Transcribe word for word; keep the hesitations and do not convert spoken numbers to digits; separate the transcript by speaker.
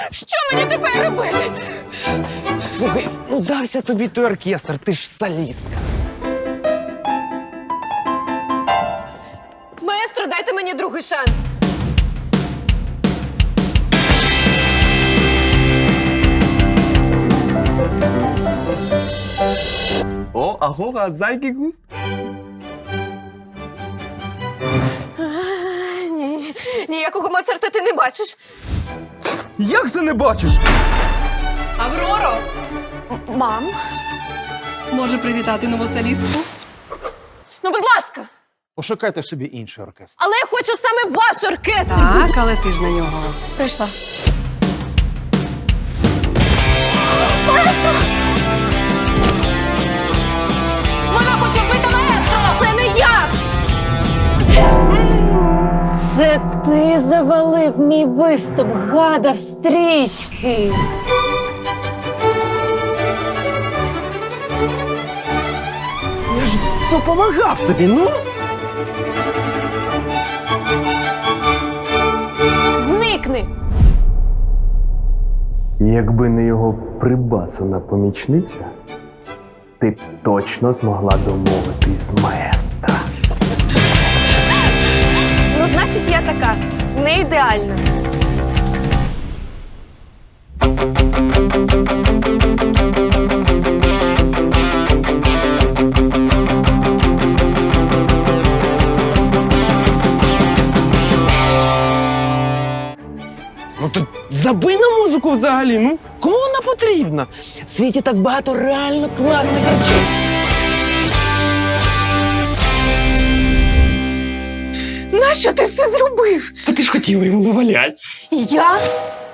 Speaker 1: Що мені тепер робити?
Speaker 2: Слухай, ну дався тобі той оркестр, ти ж солістка.
Speaker 1: Маестро, дайте мені другий шанс.
Speaker 2: О, агора, зайки густ.
Speaker 1: Ні, ніякого Моцарта ти не бачиш.
Speaker 2: Як це не бачиш?
Speaker 3: Авроро!
Speaker 1: Мам?
Speaker 3: Може привітати нову солістку?
Speaker 1: Ну, будь ласка.
Speaker 2: Пошукайте собі інший оркестр.
Speaker 1: Але я хочу саме ваш оркестр.
Speaker 3: Так, але ти ж на нього прийшла.
Speaker 1: Маестро! Вона хоче вбити маестро! Це не я! Це ти завалив мій виступ, гад австрійський!
Speaker 2: Я ж допомагав тобі, ну?
Speaker 1: Зникни!
Speaker 4: Якби не його прибацана помічниця, ти б точно змогла домовитись з маестра.
Speaker 1: Ну, значить, я така, не ідеальна.
Speaker 2: Ну то забий на музику взагалі, ну. Кому вона потрібна? В світі так багато реально класних речей.
Speaker 1: Нащо ти це зробив?
Speaker 2: Та ти ж хотів йому навалять.
Speaker 1: Я?